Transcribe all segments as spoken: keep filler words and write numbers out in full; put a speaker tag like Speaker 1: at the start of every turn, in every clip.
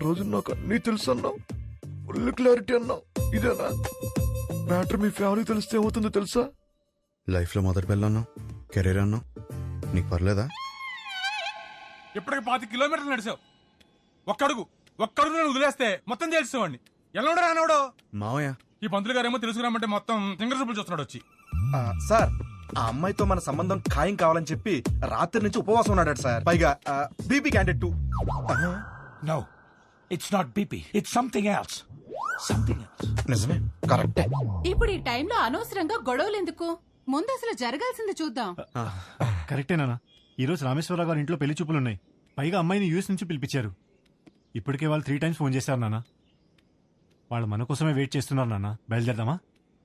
Speaker 1: రోజు నాకు అన్నీ తెలుసు అన్నావు, ఫుల్ క్లారిటీ అన్నావు. ఇదేనా మ్యాటర్? మీ ఫ్యామిలీ తెలిస్తే ఏమవుతుందో తెలుసా? లైఫ్లో మొదటి పిల్ల అన్నావు, కెరీర్ అన్నావు, నీకు పర్లేదా?
Speaker 2: ఇప్పటికి పాతి కిలోమీటర్లు నడిచావు. ఒక్కడుగు ఒక్కడుగు నేను వదిలేస్తే మొత్తం తెలిసేవాడిని. ఎలా రానవడో
Speaker 1: మావయ్య.
Speaker 2: ఈ పంతులు గారేమో తెలుసుకురామంటే మొత్తం సింగర్ చూపులు చూస్తున్నాడు వచ్చి.
Speaker 3: సార్ ఆ అమ్మాయితో మన సంబంధం ఖాయం కావాలని చెప్పి రాత్రి నుంచి ఉపవాసం ఉన్నాడు సార్. పైగా BP candidate too.
Speaker 4: No, it's not B P. It's something else. Something else.
Speaker 3: నిజమే, కరెక్టే.
Speaker 5: ఇప్పుడు ఈ టైంలో అనవసరంగా గొడవలు ఎందుకు? ముందు అసలు జరగాల్సింది చూద్దాం.
Speaker 6: కరెక్టేనా? ఈ రోజు రామేశ్వరరావు గారి ఇంట్లో పెళ్లి చూపులున్నాయి. పైగా అమ్మాయిని యూఎస్ నుంచి పిలిపించారు. ఇప్పటికే వాళ్ళు త్రీ టైమ్స్ ఫోన్ చేశారు నాన్న. వాళ్ళు మన కోసమే వెయిట్ చేస్తున్నారు నాన్న. బయలుదేరదామా?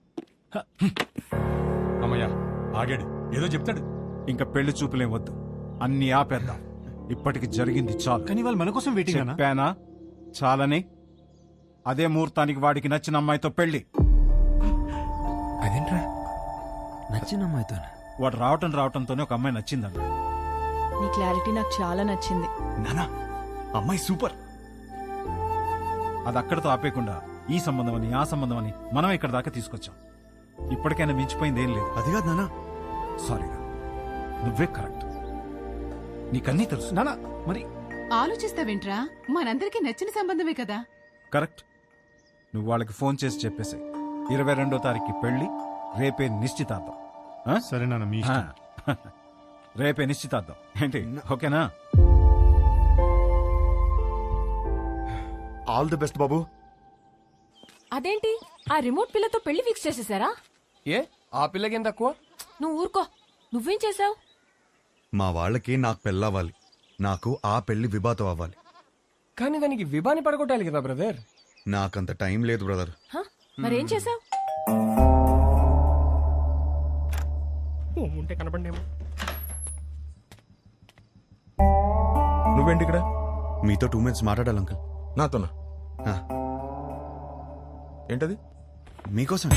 Speaker 2: అమ్మయ్యా ఆగాడు, ఏదో చెప్తాడు.
Speaker 4: ఇంకా పెళ్లి చూపులే వద్దు, అన్ని ఆపేద్దాం. ఇప్పటికి జరిగింది చాలు.
Speaker 6: కానీ వాళ్ళు మన కోసం వెయిటింగ్ అన్నా.
Speaker 4: చెప్పానా చాలని? అదే ముహూర్తానికి వాడికి నచ్చిన అమ్మాయితో పెళ్లి.
Speaker 7: అదేంట్రా నచ్చిన అమ్మాయితో?
Speaker 4: వాడు రావటం రావటంతోనే ఒక అమ్మాయి నచ్చిందన్న.
Speaker 5: నీ క్లారిటీ నాకు చాలా నచ్చింది.
Speaker 4: నానా అమ్మాయి సూపర్. అది అక్కడితో ఆపేయకుండా ఈ సంబంధం అని ఆ సంబంధం అని మనం ఇక్కడ దాకా తీసుకొచ్చాం. ఇప్పటికైనా మించిపోయింది ఏం లేదు.
Speaker 1: అది కాదు నాన్న.
Speaker 4: సారీరా, నువ్వే కరెక్ట్. నీకన్నీ తెలుసు.
Speaker 6: నానా మరి
Speaker 5: ఆలోచిస్తావేంట్రా? మనందరికీ నచ్చిన సంబంధమే కదా.
Speaker 4: కరెక్ట్. నువ్వు వాళ్ళకి ఫోన్ చేసి చెప్పేసి ఇరవై రెండో తారీఖు పెళ్లి, రేపే నిశ్చితార్థం. ఆ?
Speaker 6: సరే నాన్న, మీ ఇష్టం.
Speaker 4: రేపే నిశ్చితార్థం ఏంటి? ఓకేనా?
Speaker 1: ఆల్ ది బెస్ట్ బాబు.
Speaker 8: అదేంటి ఆ రిమోట్ పిల్లతో పెళ్లి ఫిక్స్ చేసేసారా?
Speaker 7: ఏ ఆ పిల్లకేం తక్కువ?
Speaker 8: నువ్వు ఊరుకో. నువ్వేం చేసావు?
Speaker 1: మా వాళ్ళకి నాకు పెళ్ళవ్వాలి, నాకు ఆ పెళ్లి విభాతం అవ్వాలి.
Speaker 7: కానీ దానికి విభాని పడగొట్టాలి కదా బ్రదర్.
Speaker 1: నాకంత టైం లేదు బ్రదర్.
Speaker 8: మరేం చేసావు?
Speaker 7: ఉంటే కనపడేమో.
Speaker 3: నువ్వేంటి ఇక్కడ?
Speaker 1: మీతో టూ మినిట్స్ మాట్లాడాలి అంకుల్.
Speaker 3: నాతోనా?
Speaker 1: ఆ,
Speaker 3: ఏంటది?
Speaker 1: మీకోసం.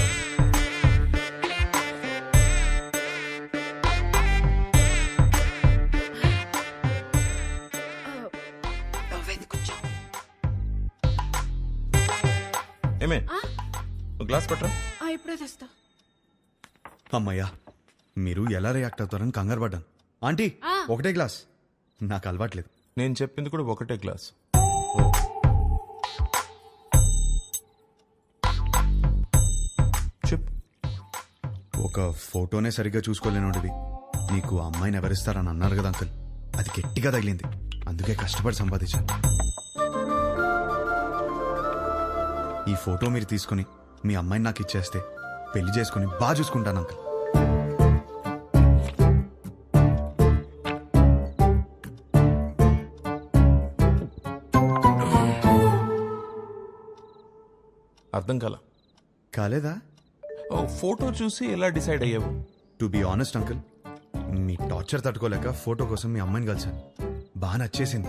Speaker 3: ఏమే గ్లాస్ పట్టరా.
Speaker 5: ఇప్పుడే తెస్తా.
Speaker 1: అమ్మయ్యా, మీరు ఎలా రియాక్ట్ అవుతారని కంగారు పడ్డాను. ఆంటీ ఒకటే గ్లాస్, నాకు అలవాట్లేదు.
Speaker 3: నేను చెప్పింది కూడా ఒకటే గ్లాస్. చెప్పు.
Speaker 1: ఒక ఫోటోనే సరిగ్గా చూసుకోలేనోడివి నీకు అమ్మాయిని ఎవరిస్తారని అన్నారు కదా అంకుల్. అది గట్టిగా తగిలింది, అందుకే కష్టపడి సంపాదించాను. ఈ ఫోటో మీరు తీసుకుని మీ అమ్మాయిని నాకు ఇచ్చేస్తే పెళ్లి చేసుకుని బాగా చూసుకుంటాను అంకుల్.
Speaker 3: అర్థం కాల.
Speaker 1: కాలేదా?
Speaker 3: ఫోటో చూసి ఎలా డిసైడ్ అయ్యావు?
Speaker 1: టు బి ఆనెస్ట్ అంకుల్, మీ టార్చర్ తట్టుకోలేక ఫోటో కోసం మీ అమ్మాయిని కలిశాను. బాగా నచ్చేసింది.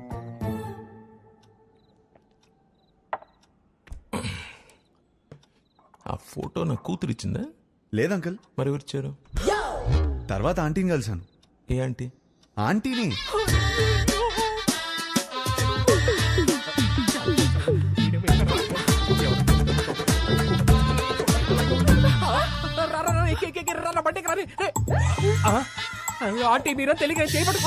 Speaker 3: ఆ ఫోటో నా కూతురు ఇచ్చిందా?
Speaker 1: లేదంకుల్.
Speaker 3: మరి ఎవరిచ్చారు?
Speaker 1: తర్వాత ఆంటీని కలిశాను.
Speaker 3: ఏ ఆంటీ?
Speaker 1: ఆంటీని.
Speaker 7: ఆంటీ మీరా తెలియక చేయబడు.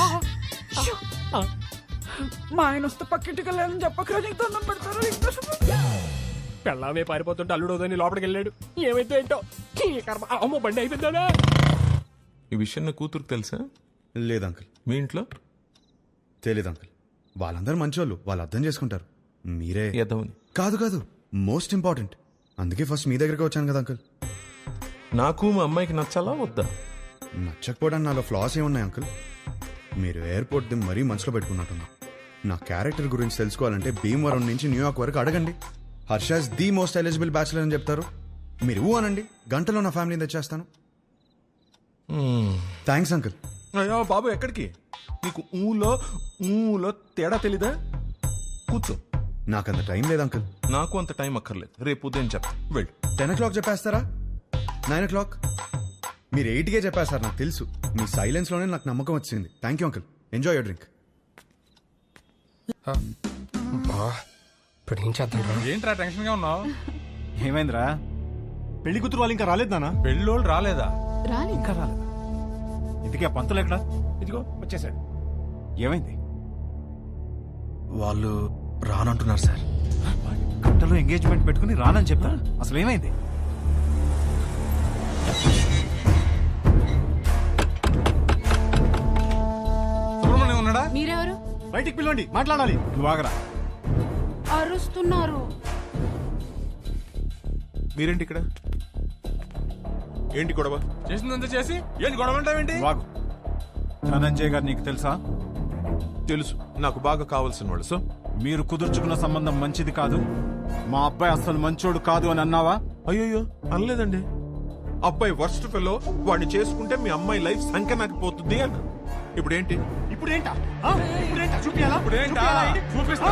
Speaker 7: మా ఆయన వస్తే పక్కింటికి వెళ్ళాలని చెప్పకరా, నీకు దండం పెడతారు. పెళ్ళామే పారిపోతుంటే అల్లుడోదని లోపలికి వెళ్ళాడు. ఏమైతే ఏంటో అమ్మో బండి అయిపోయిందా.
Speaker 3: ఈ విషయం నా కూతురుకు తెలుసా?
Speaker 1: లేదంకుల్.
Speaker 3: మీ ఇంట్లో
Speaker 1: తెలీదు అంకుల్. వాళ్ళందరూ మంచోళ్ళు, వాళ్ళు అర్థం చేసుకుంటారు. మీరే
Speaker 3: ఎదవని.
Speaker 1: కాదు కాదు, మోస్ట్ ఇంపార్టెంట్. అందుకే ఫస్ట్ మీ దగ్గరికి వచ్చాను కదా అంకుల్.
Speaker 3: నాకు మా అమ్మాయికి నచ్చాలా వద్దా?
Speaker 1: నచ్చకపోవడానికి నాలో ఫ్లాస్ ఏమున్నాయి అంకుల్? మీరు ఎయిర్పోర్ట్ ది మరీ మనసులో పెట్టుకున్నట్టున్నా. నా క్యారెక్టర్ గురించి తెలుసుకోవాలంటే భీమవరం నుంచి న్యూయార్క్ వరకు అడగండి. Harsha's the most eligible bachelor అని చెప్తారు. మీరు ఊ అనండి, గంటలో నా ఫ్యామిలీని తెచ్చేస్తాను. Thanks uncle.
Speaker 3: అయ్యో బాబు, ఎక్కడికి? నీకు ఊలో ఊలో తేడా తెలీదా? కూర్చో.
Speaker 1: నాకంత టైం లేదు అంకుల్.
Speaker 3: నాకు అంత టైం అక్కర్లేదు, రేపు ఉదయం చెప్తా. వెళ్ళు.
Speaker 1: టెన్ ఓ క్లాక్ చెప్పేస్తారా? Nine o'clock? మీరు ఎయిట్కే చెప్పేస్తారు, నాకు తెలుసు. మీ సైలెన్స్లోనే నాకు నమ్మకం వచ్చింది. Thank you uncle. Enjoy your drink.
Speaker 7: ఇప్పుడు ఏం చేద్దాం రా?
Speaker 2: ఏంట్రా టెన్షన్ గా ఉన్నావు?
Speaker 4: ఏమైందిరా?
Speaker 6: పెళ్లి కూతురు వాళ్ళు ఇంకా రాలేదు నాన్న.
Speaker 2: పెళ్ళోళ్ళు రాలేదా?
Speaker 5: రాలి
Speaker 4: ఇంకా రాలేదా? ఇంతకీ ఆ పంతులు ఎక్కడా?
Speaker 7: ఇదిగో వచ్చేసాడు.
Speaker 4: ఏమైంది?
Speaker 3: వాళ్ళు రానంటున్నారు సార్.
Speaker 4: గంటలో ఎంగేజ్మెంట్ పెట్టుకుని రానని చెప్తా. అసలు ఏమైంది?
Speaker 2: సుబ్రహ్మణ్యం ఉన్నాడా?
Speaker 5: మీరెవరు?
Speaker 6: బయటికి పిలవండి, మాట్లాడాలి.
Speaker 4: నువ్వు ఆగరా.
Speaker 5: అరుస్తున్నారు.
Speaker 9: మీరేంటి ఇక్కడ? ఏంటి గొడవ?
Speaker 2: చేసిందంతా చేసి ఏంటి గొడవ అంటావేంటి?
Speaker 4: నువ్వు ఆగు. ధనంజయ్ గారు నీకు తెలుసా?
Speaker 9: తెలుసు, నాకు బాగా కావాల్సిన వాళ్ళు. సో
Speaker 4: మీరు కుదుర్చుకున్న సంబంధం మంచిది కాదు, మా అబ్బాయి అసలు మంచోడు కాదు అని అన్నావా?
Speaker 9: అయ్యో అనలేదండి. అబ్బాయి వర్స్ట్ ఫెలో, వాడిని చేసుకుంటే మీ అమ్మాయి లైఫ్ సంఖ్య నాకు పోతుంది అన్న. ఇప్పుడు ఏంటి?
Speaker 6: ఇప్పుడు ఏంటా ఆ? ఇప్పుడేంటా చూపియాలా?
Speaker 2: ఇప్పుడు ఏంటా? చూపిస్తా.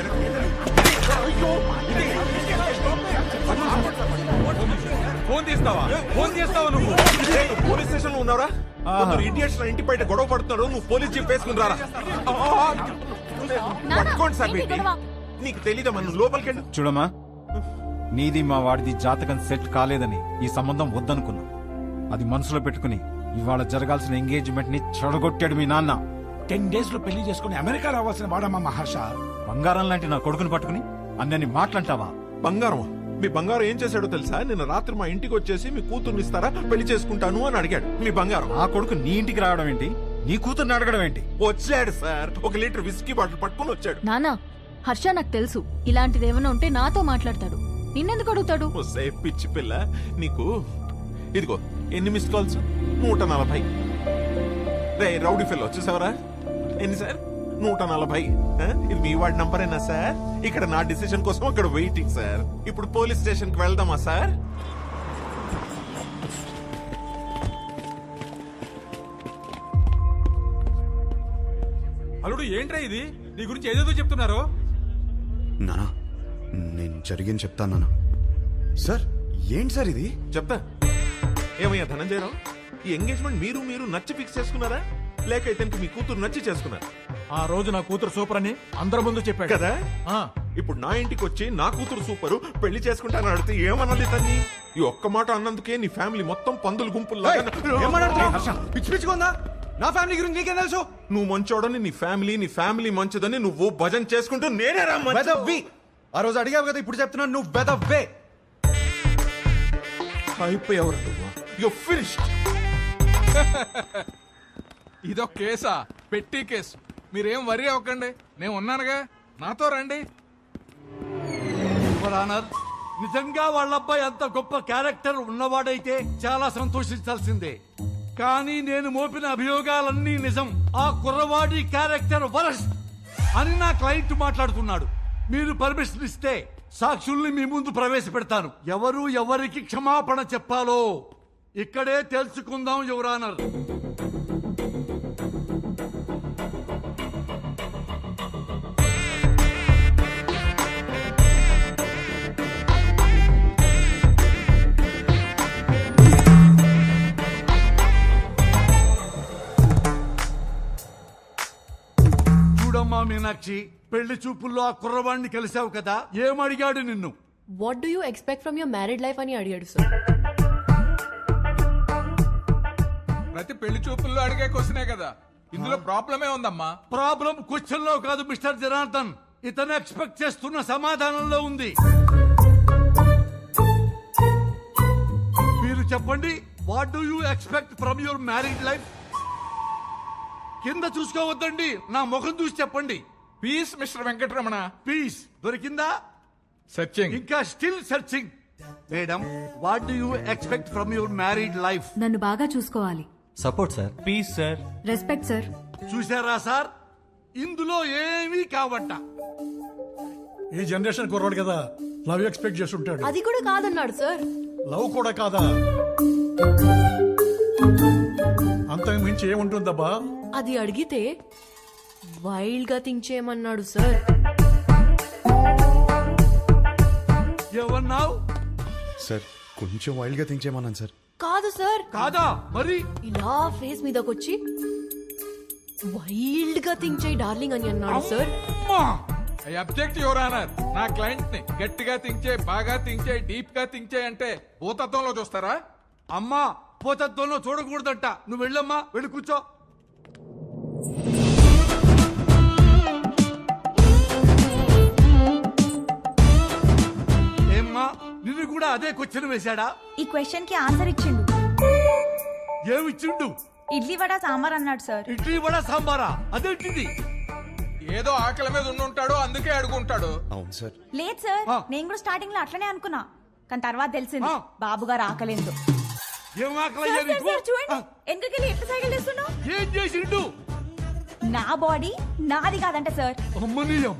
Speaker 2: ఫోన్ తీస్తావా? ఫోన్ చేస్తావా నువ్వు?
Speaker 9: పోలీస్ స్టేషన్ లో ఉన్నారా? ఇడియట్స్ నా ఇంటి బయట గొడవ పడుతున్నాడు, నువ్వు పోలీస్ జీప్ వేసుకుని రారా. పట్టుకోండి సార్ పెట్టి. నీకు తెలీదా మనం లోపలికి వెళ్ళి?
Speaker 4: చూడమ్మా, నీది మా వాడిది జాతకం సెట్ కాలేదని ఈ సంబంధం వద్దనుకున్నా. అది మనసులో పెట్టుకుని ఇవాళ జరగాల్సిన ఎంగేజ్మెంట్ ని చెడగొట్టాడు మీ నాన్న.
Speaker 10: టెన్ డేస్ లో పెళ్లి చేసుకుని అమెరికా రావాల్సిన వాడమ్మా మహర్ష.
Speaker 4: బంగారం లాంటి నా కొడుకుని పట్టుకుని అన్నని మాట్లాంటావా?
Speaker 9: బంగారం? మీ బంగారం ఏం చేశాడో తెలుసా? నిన్న రాత్రి మా ఇంటికి వచ్చేసి మీ కూతుర్ని ఇస్తారా, పెళ్లి చేసుకుంటాను అని అడిగాడు. మీ బంగారం
Speaker 4: ఆ కొడుకు నీ ఇంటికి రావడం ఏంటి? నీ కూతుర్ని అడగడం ఏంటి?
Speaker 9: వచ్చాడు సార్, ఒక లీటర్ విస్కీ బాటిల్ పట్టుకుని వచ్చాడు.
Speaker 8: నానా, హర్ష నాకు తెలుసు ఇలాంటిది ఏమైనా ఉంటే నాతో మాట్లాడతాడు. నిన్నెందుకు అడుగుతాడు?
Speaker 9: వస్తే పిచ్చి పిల్ల నీకు. ఇదిగో ఎన్ని మిస్ కాల్స్? నూట నలభై. రే రౌడీ ఫిల్ వచ్చేసావరా? ఎన్ని సార్? నూట నలభై. ఆ? ఇది మీ వాడి నంబరేనా సార్? ఇక్కడ నా డిసిషన్ కోసం అక్కడ వెయిటింగ్ సార్. ఇప్పుడు పోలీస్ స్టేషన్ కి వెళ్దామా సార్?
Speaker 2: అల్లుడు ఏంట్రా ఇది? నీ గురించి ఏదేదో చెప్తున్నారు.
Speaker 1: నానా నేను జరిగింది చెప్తాను నాన్న. సార్ ఏంటి సార్ ఇది?
Speaker 9: చెప్తా. ఏమయ్యా ధనంజయరావు, ఈ ఎంగేజ్మెంట్ మీరు మీరు నచ్చి ఫిక్స్ చేసుకున్నారా, లేక ఇతనికి మీ కూతురు నచ్చి చేసుకున్నారా?
Speaker 10: ఆ రోజు నా కూతురు సూపర్ అని అందరి ముందు చెప్పాడు
Speaker 9: కదా.
Speaker 10: ఆ,
Speaker 9: ఇప్పుడు నా ఇంటికి వచ్చి నా కూతురు సూపరు, పెళ్లి చేసుకుంటానని అడిగితే ఏమన్నది తన్ని? ఈ ఒక్క మాట అన్నందుకే నీ ఫ్యామిలీ మొత్తం పందులు గుంపుల్లా.
Speaker 3: పిచ్చి పిచ్చిగా ఉందా? నా ఫ్యామిలీ గురించి నీకేం తెలుసు?
Speaker 9: నువ్వు మంచోడని నీ ఫ్యామిలీ, నీ ఫ్యామిలీ మంచిదని నువ్వు భజన చేసుకుంటూ నేనే రా మంచి-
Speaker 3: వెదవ్వి. ఆ రోజు అడిగావు కదా, ఇప్పుడు చెప్తున్నాను నువ్వు వెదవ్వే.
Speaker 9: అయిపోయావు నువ్వు. You're finished.
Speaker 2: ఇదొక కేసా? పెట్టి కేసు. మీరేం వరి అవ్వకండి, నేను ఉన్నానుగా, నాతో రండి.
Speaker 10: నిజంగా వాళ్ళ అబ్బాయి అంత గొప్ప క్యారెక్టర్ ఉన్నవాడైతే చాలా సంతోషించాల్సిందే. కానీ నేను మోపిన అభియోగాలన్నీ నిజం. ఆ కుర్రవాడి క్యారెక్టర్ వరస్ట్ అని నా క్లయింట్ మాట్లాడుతున్నాడు. మీరు పర్మిషన్ ఇస్తే సాక్షుల్ని మీ ముందు ప్రవేశపెడతాను. ఎవరు ఎవరికి క్షమాపణ చెప్పాలో ఇక్కడే తెలుసుకుందాం యువర్ ఆనర్. చూడమ్మా మీనాక్షి, పెళ్లి చూపుల్లో ఆ కుర్రవాడిని కలిసావు కదా, ఏమడిగాడు నిన్ను?
Speaker 8: What do you expect from your married life అని అడిగాడు సార్.
Speaker 2: ప్రతి పెళ్లి చూపుల్లో అడిగే క్వశ్చనే కదా, ఇందులో ప్రాబ్లమే ఉందమ్మా.
Speaker 10: ప్రాబ్లం క్వశ్చన్ లో కాదు మిస్టర్ జనార్దన్, ఇతను ఎక్స్పెక్ట్ చేస్తున్న సమాధానంలో ఉంది. మీరు చెప్పండి, what do you expect from your married life? కింద చూసుకోవద్దండి, నా ముఖం చూసి చెప్పండి.
Speaker 2: Piece mister Venkataramana.
Speaker 10: పీస్ దొరికిందా?
Speaker 2: సత్యం.
Speaker 10: ఇంకా still searching. Madam, what do you expect from your married life?
Speaker 8: నన్ను బాగా చూసుకోవాలి.
Speaker 11: Support sir. Peace sir.
Speaker 8: Respect sir.
Speaker 10: చూసారా సార్, ఇందులో ఏమీ కావట.
Speaker 12: ఈ జనరేషన్ కుర్రాడు కదా, లవ్ ఎక్స్పెక్ట్ చేస్తుంటాడు.
Speaker 8: అది కూడా కాదన్నాడు సార్.
Speaker 12: లవ్ కూడా కాదా? అంతకు మించి ఏముంటుందబ్బా?
Speaker 8: అది అడిగితే వైల్డ్ గా థింక్ చేయమన్నాడు సార్.
Speaker 10: ఏమన్నావు?
Speaker 1: సార్ కొంచెం వైల్డ్ గా థింక్ చేయమన్నాను సార్.
Speaker 8: కాదు సార్.
Speaker 10: కాదా? మరి
Speaker 8: ఇలా ఫేస్ మీదకొచ్చి వైల్డ్ గా థింక్ చేయి డార్లింగ్ అని అన్నాడు సార్.
Speaker 10: అమ్మా!
Speaker 2: I object your honour. నా క్లయింట్ ని గట్టిగా థింక్ చేయి, బాగా థింక్ చేయి, డీప్ గా థింక్ చేయి అంటే భూతత్వంలో చూస్తారా?
Speaker 10: అమ్మా పోతత్వంలో చూడకూడదంట. నువ్వు వెళ్ళమ్మా, వెళ్ళి కూర్చో. ఏమ్మా నిన్ను కూడా అదే క్వశ్చన్ వేశాడా?
Speaker 13: ఈ క్వశ్చన్ కి ఆన్సర్ ఇచ్చిండు.
Speaker 10: ఏమిచ్చిండు?
Speaker 13: ఇడ్లీ వడ సాంబార్ అన్నాడు సార్.
Speaker 10: ఇడ్లీ వడ సాంబారా? అదేంటిది?
Speaker 2: ఏదో ఆకలి మీద ఉండుంటాడు, అందుకే అడుగుంటాడు.
Speaker 1: అవును సార్.
Speaker 13: లేదు సార్, నేను కూడా స్టార్టింగ్ లో అట్లనే అనుకున్నా, కానీ తర్వాత తెలిసింది బాబు గారు ఆకలేదు.
Speaker 10: ఏం ఆకలయ్యా నీకు?
Speaker 13: చూడండి ఎందుకెళ్ళి ఎట్లా సైకిల్ చేస్తున్నావు?
Speaker 10: ఏం చేసిండు?
Speaker 13: నా బాడీ నాది కాదంట సార్.
Speaker 10: అమ్మనీయం.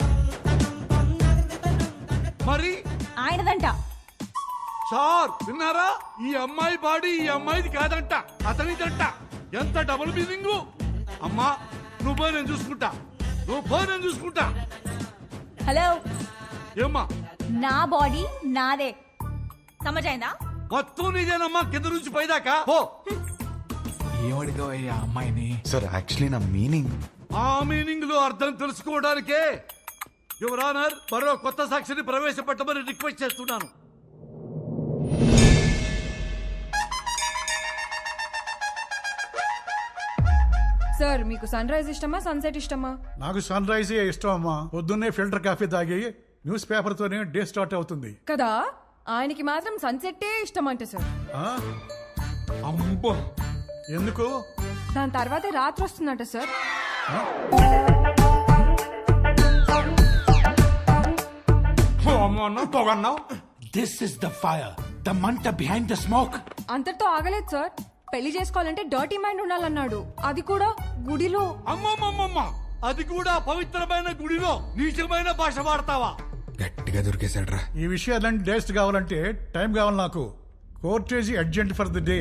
Speaker 10: మరి
Speaker 13: ఆయనదంట.
Speaker 10: సార్ విన్నారా? ఈ అమ్మాయి బాడీ ఈ అమ్మాయిది కాదంట, అతనిదంట. ఎంత డబుల్ మీనింగ్. అమ్మా నువ్వు పోయి నేను చూసుకుంటా, నువ్వు పోయి నేను చూసుకుంటా.
Speaker 13: హలో
Speaker 10: ఏమ్మా?
Speaker 13: నా బాడీ నాదే, సమజైందా?
Speaker 10: మొత్తం నీదేనమ్మా, కింద నుంచి పైదాకా పో.
Speaker 9: ఏమడిగావయ్యా అమ్మాయిని?
Speaker 1: సార్ యాక్చువల్లీ నా మీనింగ్.
Speaker 10: ఆ మీనింగ్ లో అర్థం తెలుసుకోవడానికే యువర్ ఆనర్ మరో కొత్త సాక్షిని ప్రవేశపెట్టమని రిక్వెస్ట్ చేస్తున్నాను.
Speaker 14: సార్ మీకు సన్ రైజ్ ఇష్టమా సన్సెట్ ఇష్టమా?
Speaker 12: నాకు సన్ రైజ్ ఇష్టం అమ్మా. పొద్దున్నే ఫిల్టర్ కాఫీ తాగి న్యూస్ పేపర్ తోనే డే స్టార్ట్ అవుతుంది
Speaker 14: కదా. ఆయనకి మాత్రం సన్సెట్టే ఇష్టం అంట సార్.
Speaker 12: ఆ?
Speaker 10: అమ్మో
Speaker 12: ఎందుకు?
Speaker 14: దాని తర్వాతే రాత్రి వస్తుందంట sir.
Speaker 10: This is the fire, the మంట బిహైండ్ ద స్మోక్.
Speaker 14: అంతటితో ఆగలేదు సార్. పెళ్లి చేసుకోవాలంటే డర్టీ మైండ్ ఉండాలన్నాడు, అది కూడా గుడిలో.
Speaker 10: అమ్మమ్మమ్మమ్మ, అది కూడా పవిత్రమైన గుడిలో నీచమైన భాష వాడతావా?
Speaker 1: గట్టిగా దొరికేశాడ్రా.
Speaker 12: ఈ విషయాలన్నీ డేస్ట్ కావాలంటే టైం కావాలి నాకు. Court adjourned for the day.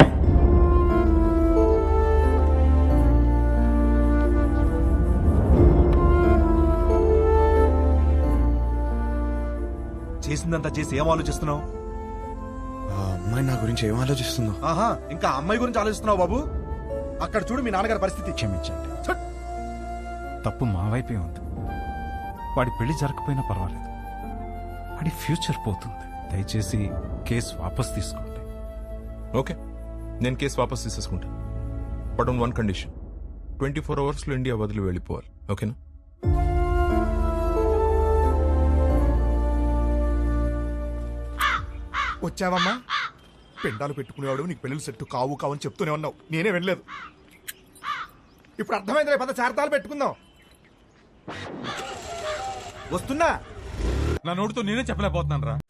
Speaker 3: చేసిందంతా చేసి ఏం ఆలోచిస్తున్నావు?
Speaker 1: ఆ అమ్మాయి నా గురించి ఏం ఆలోచిస్తుందో.
Speaker 3: ఆహా, ఇంకా అమ్మాయి గురించి ఆలోచిస్తున్నావు బాబు? అక్కడ చూడు మీ నాన్నగారి పరిస్థితి.
Speaker 1: క్షమించండి.
Speaker 4: తప్పు మా వైపే ఉంది. వాడి పెళ్లి జరగకపోయినా పర్వాలేదు, వాడి ఫ్యూచర్ పోతుంది. దయచేసి కేసు వాపస్ తీసుకోండి.
Speaker 9: ఓకే, నేను కేసు వాపస్ తీసేసుకుంటాను. But on one condition, twenty four hours లో ఇండియా వదిలి వెళ్ళిపోవాలి. ఓకేనా?
Speaker 3: వచ్చావమ్మా? పెండాలు పెట్టుకునేవాడు నీకు పెళ్ళిళ్ళు సెట్టు కావు కావని చెప్తూనే ఉన్నావు, నేనే వెళ్ళలేదు. ఇప్పుడు అర్థమైంది, పద చార్తాలు పెట్టుకుందాం. వస్తున్నా.
Speaker 2: నా నోటితో నేనే చెప్పలేకపోతున్నాను రా.